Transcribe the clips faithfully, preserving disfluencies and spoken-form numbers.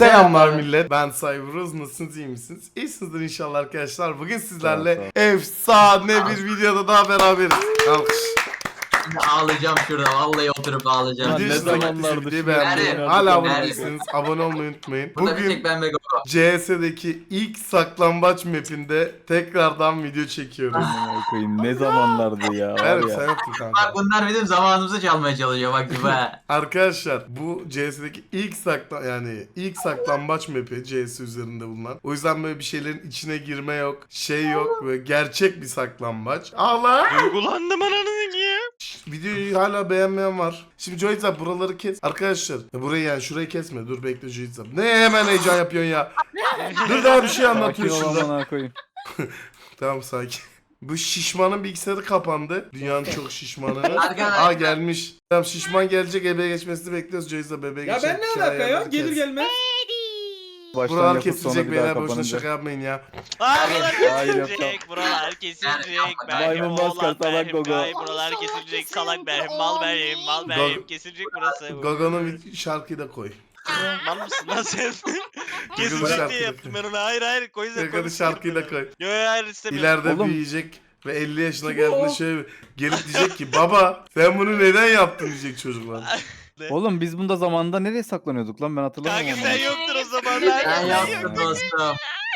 Selamlar millet. Ben Cyberuz. Nasılsınız, iyi misiniz? İyisinizdir inşallah arkadaşlar. Bugün sizlerle efsane bir videoda daha beraberiz. Alkış. Şimdi ağlayacağım şurada. Vallahi oturup ağlayacağım. Video ne hoşuna gittiyse zamanlardır videoyu şu beğenmeyi, nerede? hala abone Nerede? değilseniz abone olmayı unutmayın. Burada bir Bugün tek ben ve Gogo. C S'deki ilk saklambaç map'inde tekrardan video çekiyoruz. Amına koyayım, ne zamanlardı ya. Var Evet, ya. sen yaptın kanka. Bak bunlar bizim zamanımızı çalmaya çalışıyor bak gibi ha. Arkadaşlar bu C S'deki ilk sakla yani ilk saklambaç map'i C S üzerinde bulunan. O yüzden böyle bir şeylerin içine girme yok, şey yok ve gerçek bir saklambaç. Allah! Duygulandım ananı ya. Videoyu hala beğenmeyen var. Şimdi Joyzap buraları kes. Arkadaşlar ya burayı yani şurayı kesme. Dur bekle Joyzap. Ne hemen heyecan yapıyorsun ya. Dur daha bir şey Sakin anlatıyor ol şurada. amına koyayım. Tamam sakin. Bu şişmanın bilgisayarı kapandı. Dünyanın çok şişmanı. Arkadaşlar. Aa gelmiş. Tamam şişman gelecek, bebeğe geçmesini bekliyoruz. Joyzap bebeğe Ya geçecek. ben ne Hikaye alaka ya? yerleri Gelir kes. gelmez. Baştan Buralar yapıp sonra kesilecek bir daha beyler, boşuna kapanınca. şaka yapmayın ya. Aa buralar Hayır, kesilecek, yapma. buralar kesilecek. Berhim Maymun maskar, oğlan, salak Berhim Gogo. gay, buralar kesilecek. Salak Berhim, mal Berhim, mal Berhim, kesilecek burası. Gogo'nun bir şarkıyı da koy. Mal mısın lan sen? Kesilecek şarkı diye da yaptım koy. ben onu. Hayır hayır koy sen Gogo'nun konuş. şarkıyı da koy. Yo yo hayır istemiyorum. İleride Oğlum. büyüyecek ve elli yaşına geldiğinde şöyle gelip diyecek ki baba sen bunu neden yaptın diyecek çocuklar. Oğlum biz bunda zamanında nereye saklanıyorduk lan, ben hatırlamıyorum. Kanka sen yoktun o zamanlar. Ben yaptım dostum.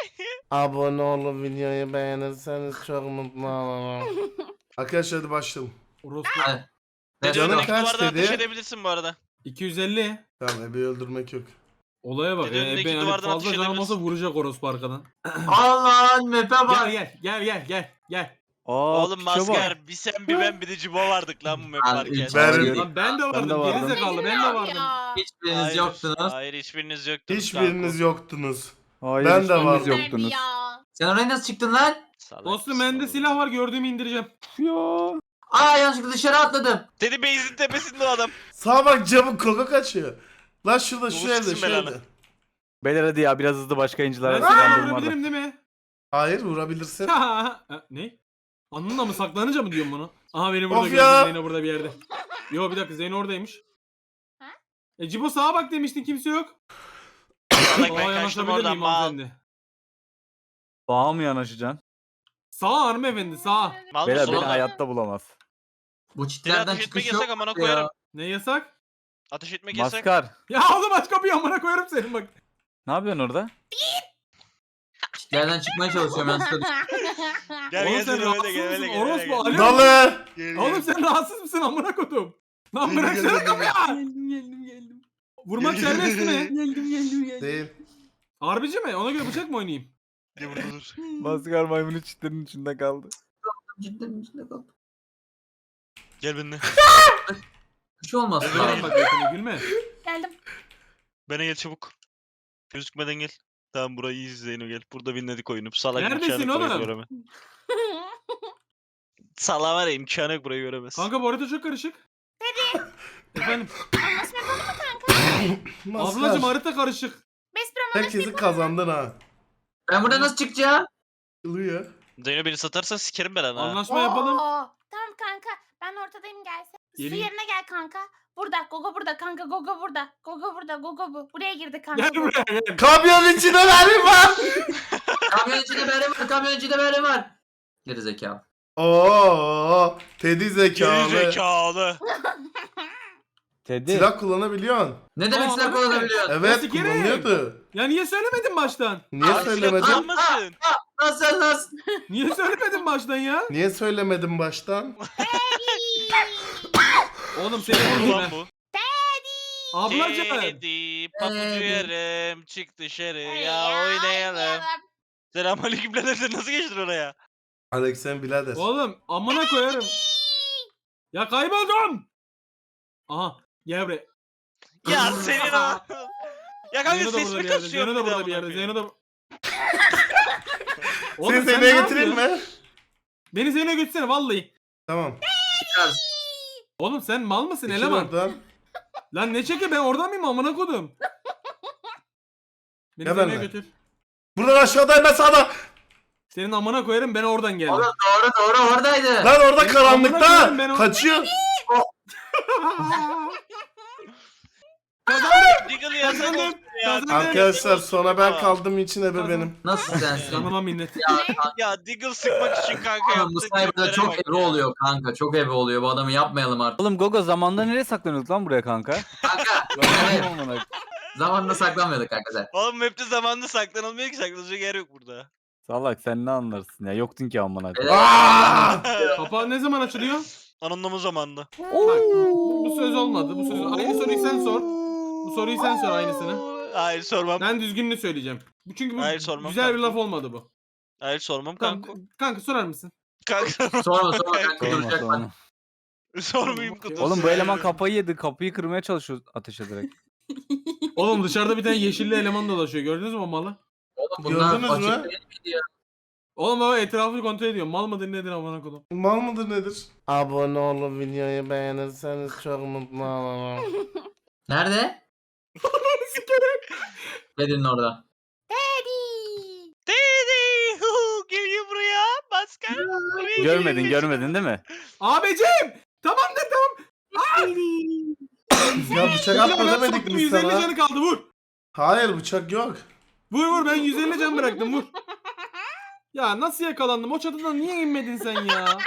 Abone olup videoyu beğenirseniz çok mutlu olurum. Arkadaşlar hadi başlayalım. Orospu. Hadi. Dede Canım öndeki kaç duvardan dedi? ateş edebilirsin bu arada. iki yüz elli. Tamam ebeyi öldürmek yok. Olaya bak. Dede E, önündeki ben hani duvardan fazla atış can olmasa edebilirsin. vuracak orospu arkadan. Allah'ın mepe Gel bak. gel gel gel gel gel. Aa, Oğlum piçe bak. maskar bir sen bir ben bir de Cibo vardık lan bu map Abi, varken. Ben- Hayır. Lan ben de vardım. de vardım. Gerizekalı ben de vardım. Hiçbiriniz Hayır, yoktunuz. Hayır hiçbiriniz yoktunuz. Hiçbiriniz yoktunuz. Hayır, Ben de hiçbiriniz vardım. yoktunuz. Sen oraya nasıl çıktın lan? Salak Dostum mısın bende oğlum? silah var, gördüğümü indireceğim. Ya. Aa yanlışlıkla dışarı atladım. Dedi base'in tepesinde o adam. Sağa bak camın Koko kaçıyor. Lan şurada şu Doğru evde çıksın şu belanı. evde. Beyler hadi ya, biraz hızlı başka Ben inciler silah arasından vurabilirim değil mi? Hayır vurabilirsin. Ha, ne? Anınla mı saklanınca mı diyorum bunu? Aha beni burada Of gördüm, ya. Zeyno burada bir yerde. Yo bir dakika, Zeyno oradaymış. E Cibo sağa bak demiştin, kimse yok. Salak Sağa ben kaçtım yanaşabilir oradan miyim mal. hanımefendi? Sağa mı yanaşacaksın? Sağa hanımefendi sağa. Mal Beyler mısın beni oğlum? hayatta bulamaz. Bu Seni çitlerden ateş etmek çıkış yok. yasak amına ya. koyarım. Ne yasak? Ateş etmek yasak. Maskar. Ya oğlum aç kapıyı, amına koyarım senin bak. Ne yapıyorsun orada? Çitlerden çıkmaya çalışıyorum yanlışlıkla. Gel Oğlum gel sen seni öyle rahatsız gel öyle mısın? gel. öyle Orospu gel. Ali. Dalı. Gel, Oğlum gel. sen rahatsız mısın amına kodum? Lan Geldim, bıraksana geldim, kapıyı. Geldim geldim geldim. Vurmak Geldim. serbest mi? Geldim geldim geldim. Değil. Harbici mi? Ona göre bıçak mı oynayayım? Gel burada dur. Maskar maymunun çitlerin içinde kaldı. Cidden içinde kaldım. Gel benimle. Bir şey olmaz. Öyle Lan bak yakını gülme. Geldim. Bana gel çabuk. Gözükmeden gel. Tamam burayı iyi Zeyno gel. Burada binledik oyunu. Salak Neredesin imkanı yok burayı oğlum? göremez. Salak var ya imkanı yok burayı göremez. Kanka bu harita çok karışık. Efendim. Anlaşma yapalım mı kanka? Ablacım Maskar. harita karışık. Best Brom Herkesi kazandın ha. Ben burada nasıl çıkacağım? Yılıyor. Zeyno beni satarsan sikerim ben ha. Anlaşma yapalım. Tamam kanka. Ben ortadayım gelsene. Su Geleyim. yerine gel kanka. Burada. Gogo burada kanka. Gogo burada. Gogo burada. Gogo bu. Buraya girdi kanka. Gel buraya gel. Kamyon içine verim var. Kamyon içinde beri var. Kamyon içinde beri var. Geri zekalı. Oo, Teddy Geri zekalı. zekalı. Teddy. Silah kullanabiliyorsun. Ne demek Aa, silah evet. kullanabiliyor? Evet Nasıl geri? kullanıyordu. Ya niye söylemedin baştan? Niye Abi, söylemedin? silah kullanmasın. Nasıl nasıl? Niye söylemedin baştan ya? Niye söylemedin baştan? Oğlum seni vurdum Ulan ben. bu. Ablacım. Kedi papucu Kedi. yerim çık dışarıya Ya, oynayalım. oynayalım. Selamünaleyküm birader sen nasıl geçtin oraya? Alex sen birader. Oğlum amına koyarım. Ya kayboldum. Aha gel buraya. Ya senin o. Ya kanka Zeyno da burada sesimi bir yerde. kasıyor Zeyno da bir de burada bir yerde. amına Zeyno da... Seni sen Zeynep'e ne getireyim yapıyorsun? mi? Beni Zeyno'ya götürsene vallahi. Tamam. Oğlum sen mal mısın Geçin eleman? oradan. Lan ne çeki, ben oradan mıyım amına kodum? Beni Ya Zeyno'ya benle. götür. Buradan aşağıdayım ben sağda. Senin amına koyarım, ben oradan geldim. Oğlum doğru doğru oradaydı. Lan orada Benim karanlıkta. amına koyayım ben o- Kaçıyor. Kazandım. Diggle ya sen Kazandım. Kazandın. Arkadaşlar sona ben kaldığım için ebe benim. Nasıl sensin? Canıma minnet. Ya Diggle sıkmak için kanka Kanka bu yaptığı sniper'da triplere çok bak ebe ya. oluyor kanka. Çok ebe oluyor. Bu adamı yapmayalım artık. Oğlum Gogo zamanda nereye saklanıyorduk lan buraya kanka? Kanka. Evet. Zamanında saklanmıyorduk kanka sen. Oğlum map'te zamanında saklanılmıyor ki, saklanacak yer yok burada. Salak sen ne anlarsın ya yoktun ki amına Evet. koyayım. Aa! Kapağı ne zaman açılıyor? Anonlama zamanında. Bak bu, bu söz olmadı. Bu söz aynı soruyu sen sor. Bu soruyu sen sor aynısını. Hayır sormam. Ben düzgününü söyleyeceğim. Bu çünkü bu Hayır, sormam güzel bir kanka. laf olmadı bu. Hayır sormam Tamam, kanka. kanka sorar mısın? Kanka Sorma sorma kanka Sorma, duracak sorma. bak. sormayayım kutu. Oğlum bu eleman kafayı yedi. Kapıyı kırmaya çalışıyor ateş ederek. Oğlum dışarıda bir tane yeşilli eleman dolaşıyor. Gördünüz mü o malı? Oğlum bunlar Gördünüz fakir mü? değil miydi ya? Oğlum baba etrafını kontrol ediyor. Mal mıdır nedir amına kodum? Mal mıdır nedir? Abone olup videoyu beğenirseniz çok mutlu olurum. Nerede? Dedin orada. Daddy. Dedi. hu, Geliyor buraya. Maskar. Buraya Görmedin geliyor. görmedin değil mi? Abicim! Tamamdır tamam. Ya bıçak atma ben demedik soktum, mi yüz elli sana? canı kaldı vur. Hayır bıçak yok. Vur vur ben yüz elli can bıraktım vur. Ya nasıl yakalandım? O çatıdan niye inmedin sen ya?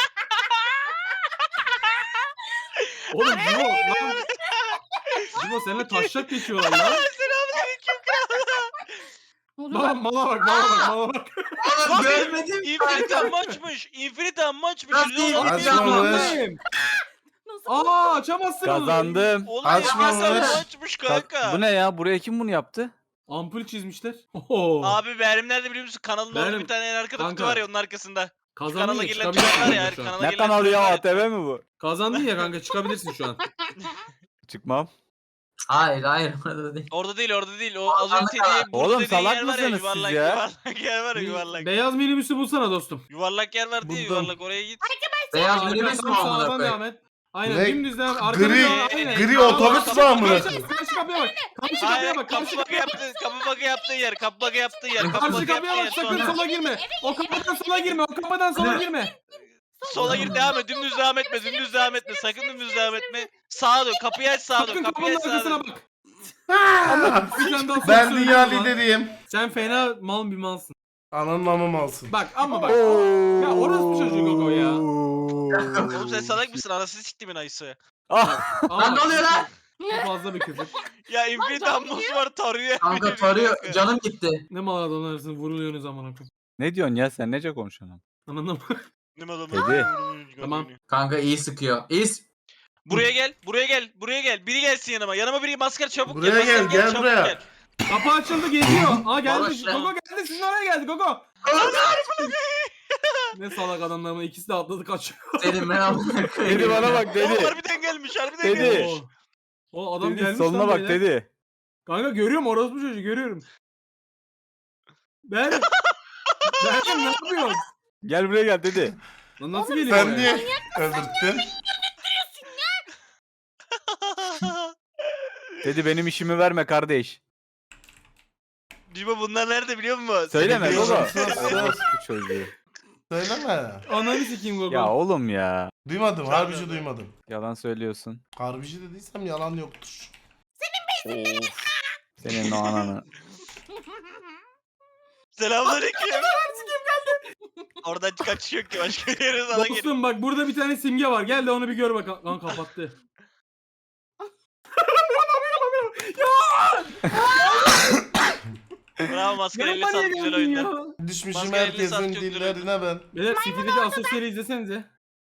Oğlum Cibo lan. Cibo seninle taşak geçiyorlar lan. Ne oluyor Mala, lan? mala bak mala bak mala bak. Oğlum görmedim Infinite kanka. maçmış. Infinite maçmış. Nasıl Yüz on Infinite milyon. Açmamış. Açmamış. Nasıl? Aa açamazsın onu. Kazandım. Oğlum Açmamış. Infinite maçmış kanka. Ka- Bu ne ya? Buraya kim bunu yaptı? Ampul çizmişler. Oo. Abi Berim nerede biliyor musun? Kanalın orada Berim- bir tane en arkada kutu Kanka. var ya onun arkasında. Kazandın Kanala ya girilen çıkabilirsin tuşlar ya. şu an. Kanala Ne girilen kanalı ya? tuşlar A T V mi bu? Kazandın ya kanka çıkabilirsin şu an. Çıkmam. Hayır hayır orada değil. Orada değil orada değil. O az Kanka. önce dediği burada Oğlum, dediğin salak yer var ya, mısınız siz yuvarlak, ya? Yuvarlak yer var ya yuvarlak. Beyaz minibüsü bulsana dostum. Yuvarlak yer var diye Buldum. yuvarlak oraya git. Beyaz Arka, minibüs mü tam amına sağdan devam koyayım? et. Aynen Ne? dümdüz devam. Arkana Gri, devam, aynen. gri Tamam, otobüs tamam, mü amına karşı- koyayım? Karşı kapıya bak. Karşı Hayır kapıya bak. kapı Karşı bakı kapıya bak. yaptı. Kapı bakı yaptığı yer. Kapı bakı yaptığı yer. Kapı Karşı bakı kapıya yaptığı yer. bak sakın Sonra. sola girme. O kapıdan sola girme. O kapıdan sola girme. Sola gir devam et. Dümdüz devam etme. Dümdüz devam etme. Sakın dümdüz devam etme. Sağa dön. Kapıyı aç sağa dön. Sakın Kapıyı kapının aç sağa arkasına dön. bak. Aa! Bir tane daha soru Ben söyleyeyim dünya o zaman. lideriyim. Sen fena mal bir malsın. Ananın amım alsın. Bak ama bak. Ya orası bir çocuk o ya. Oğlum sen salak mısın? Anasını siktimin ayısı. Ah, Ama Lan ne bak, oluyor lan? bu fazla bir küfür. Ya Infinite canım Ammosu var tarıyor. Kanka tarıyor. Canım gitti. Ne mal adamlarsın vuruluyorsunuz amına koyayım. ne diyorsun ya sen nece konuşuyorsun? Anladın mı? Ne adamı? Dedi. Tamam. Kanka iyi sıkıyor. İyi s- Buraya gel. Buraya gel. Buraya gel. Biri gelsin yanıma. Yanıma biri maskar çabuk Buraya gel. gel, maskar gel çabuk buraya. gel. Kapı açıldı geziyor. Aa geldi. Barış lan. Gogo geldi. Sizin oraya geldi Gogo. Ne salak adamlar ama ikisi de atladı kaçıyor. Dedim ben amına koyayım. Dedi bana bak Oğlum dedi. harbiden gelmiş. Harbiden Dedi. gelmiş. O, o adam Dedi, gelmiş soluna lan bak beyler. dedi. Kanka görüyorum orospu çocuğu görüyorum. Ben Ben ne yapıyorsun? Gel buraya gel dedi. Lan nasıl geliyor? Sen oraya? niye öldürttün? Dedi benim işimi verme kardeş. Cibo bunlar nerede biliyor musun? Söyleme Biliyorum, baba. sus, sus. Orospu çocuğu. Söyleme. Ananı sikeyim Gogo. Ya oğlum ya. Duymadım, harbici duymadım. Yalan söylüyorsun. Harbici dediysem yalan yoktur. Of. Senin o ananı. Selamünaleyküm. Oradan kaçış yok ki başka bir yere sana gelin. Dostum bak burada bir tane simge var. Gel de onu bir gör bak. Lan kapattı. Bravo maskar elle Yanıma niye sağlık güzel geldin oyunda. ya? Düşmüşüm Maskara elli herkesin saat çok dillerine ben. Beyler City'deki asosyali izlesenize.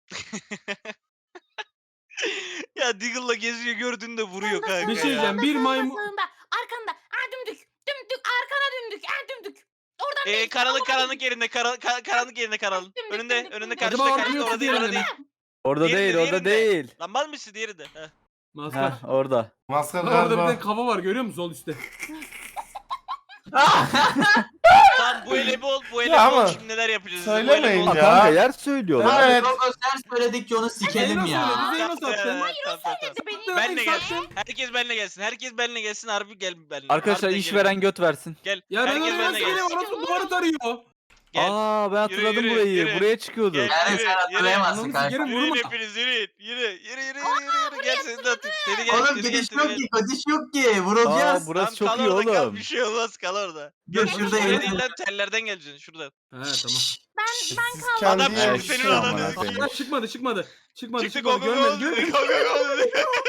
Ya Diggle'la geziyor gördüğünde vuruyor kanka Bir şey ya. diyeceğim. Bir maymun... Sağında, arkanda. Aa dümdük. Dümdük. Arkana dümdük. Aa dümdük. Oradan Ee, değil. karanlık oradan karanlık değil. yerinde kara, ka- karanlık yerinde karanlık. Dümdük, Önünde dümdük, önünde dümdük. karşıda Acaba karşıda orada orada değil orada değil. Orada Diğerinde, değil orada diğerinde. değil. Lan mal mısın diğeri de? Heh. Maskar. Heh orada. Maskar Lan orada bir galiba. tane kafa var görüyor musun sol üstte? Tamam bu ele bol bu ele Ya bol ama şimdi neler yapacağız? Bu söylemeyin ele bol. Ha, ya. kanka yer söylüyorlar. Evet. Gogo sen söyledikçe onu sikelim Zeyno ya. söyledi, Zeyno Tamam, sattı. tamam, tamam, tamam. Beni Benle gelsin. sattın. Herkes benle gelsin. Herkes benle gelsin. Harbi gel benle. Arkadaşlar Harbiden gelin. işveren göt versin. Gel. Ya ben Herkes onu benle nasıl gelsin. söyleyeyim? Orası duvarı tarıyor. Gel. Aa ben hatırladım yürü, burayı. yürü. Buraya çıkıyordu. Gel. Yani Yürü, sen hatırlayamazsın yürü. kanka. Sikerim, Yürüyün vurma. hepiniz yürüyün. Yürü yürü yürü yürü yürü. Gel seni de atayım. Seni gel. Oğlum seni gel, gidiş seni yok yok gel. ki, gidiş yok ki. Aa Vurulacağız. burası Tamam, çok kal iyi orada, kal. oğlum. Bir şey olmaz, kal orada. Dur şurada Şöyle eğlenelim. değil lan, tellerden geleceksin şuradan. He tamam. Siz kendi Adam yerinize şimdi senin çıkın ananı amına sikeyim. koyayım. Aa, çıkmadı çıkmadı. Çıkmadı Çıktı çıkmadı. go go go. Görmedim Go görmedim. go go.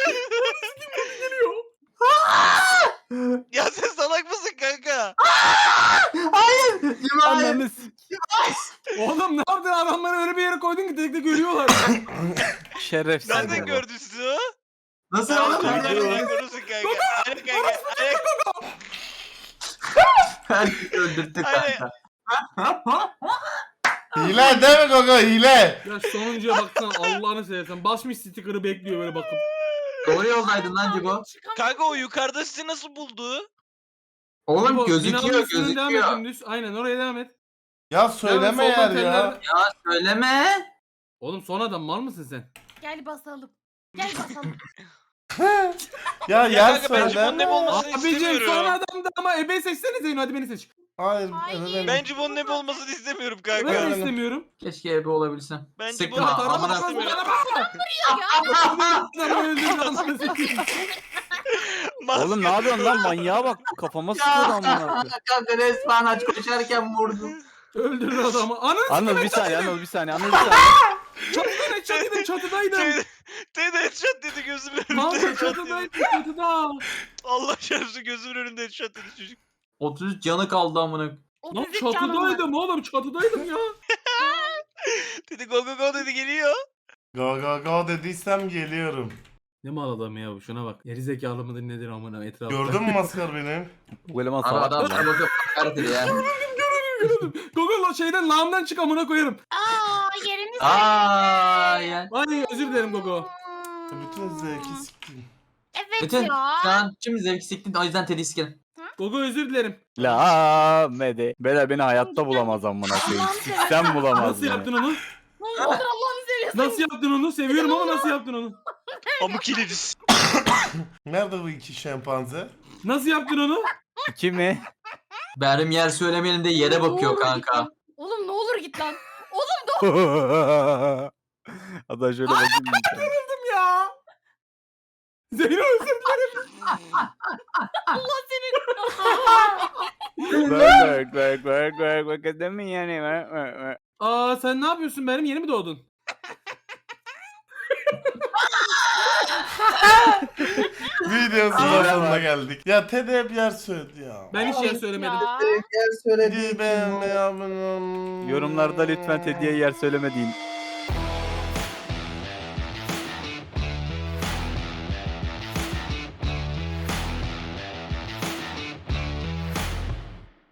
Ya sen salak mısın kanka? Hayır. Cumali. Ananı s- Oğlum ne yaptın, adamları öyle bir yere koydun ki tek tek görüyorlar. Şerefsiz. Nereden baba. gördün siz o? Nasıl Sen oğlum? nereden Nereden? görürsün kanka? Aynen kanka. Aynen. Herkesi öldürttük Aynen. kanka. Hile değil mi Gogo, hile? Ya sonuncuya baksana Allah'ını seversen. Basmış sticker'ı bekliyor böyle bakıp. Doğru yoldaydın lan Cibo. Kanka o yukarıda sizi nasıl buldu? Oğlum Bu gözüküyor binanın üstünden devam et gözüküyor. dümdüz. Aynen oraya devam et. Ya söyleme Devam et, yer soldan ya. tellerden- Ya söyleme. Oğlum son adam mal mısın sen? Gel basalım. Gel basalım. Ya Ya yer kanka ben Cibo'nun söyle. ne olmasını Abicim son istemiyorum. adam da ama ebe seçsene Zeyno, hadi beni seç. Hayır, Hayır. evet, Ben Cibo'nun ne olmasını istemiyorum Ben kanka. de Benim- istemiyorum. Keşke ebe olabilsem. Ben Sıkma, Cibo'nun Araba amına araba istemiyorum. araba. Adamı öldürdü anasını satayım. Oğlum ne yapıyorsun lan, manyağa bak, kafama sıkıyordu amına. Kanka resmen aç koşarken vurdum. Öldürdü adamı. Ananı Anıl bir saniye, Anıl bir saniye, Anıl bir saniye. çatıdaydım çatıdaydım çatıdaydım. Teyze teyze headshot dedi gözümün önünde. Kanka headshot dedi. çatıdaydım çatıda. Allah şerefsiz gözümün önünde headshot dedi çocuk. otuz üç canı kaldı amına. Lan otuz üç canım var. çatıdaydım oğlum çatıdaydım ya. Dedi go go go dedi geliyor. Go go go dediysem geliyorum. Ne mal adam ya bu, şuna bak. Geri zekalı mıdır nedir amına etrafta. Gördün mü maskar beni? Bu eleman Abi salak adam mı sana lan? bakıp karakter ya. Google o şeyden lağımdan çık amına koyarım. Aa yerimiz Aa ya. Ay özür dilerim Gogo. Bütün zevki siktim. Evet Bütün ya. şu an şimdi zevk siktin, o yüzden Teddy sikerim. Gogo özür dilerim. La mede. Bela beni hayatta bulamaz amına koyayım. Sen bulamaz Nasıl beni. yaptın onu? Ne olur Allah'ını seviyorsun. Nasıl yaptın onu? Seviyorum ama nasıl yaptın onu? Pamuk ileriz. Nerede bu iki şempanze? Nasıl yaptın onu? İki mi? Berim yer söylemeyelim de yere Ne bakıyor olur git kanka. lan. Oğlum ne olur git lan. Oğlum Hatta şöyle bakayım. Öldüm ya. Zeyno özür dilerim. Allah seni. Bak bak bak bak bak bak mi yani? Bak, bak, bak. Aa sen ne yapıyorsun Berim? Yeni mi doğdun? Videonun sonuna geldik. Ya Ted'e hep yer söyledi ya. Ben hiç yer söylemedim. Ya. Videoyu beğenmeyi, abone olmayı. Yorumlarda lütfen Teddy'ye yer söyleme deyin.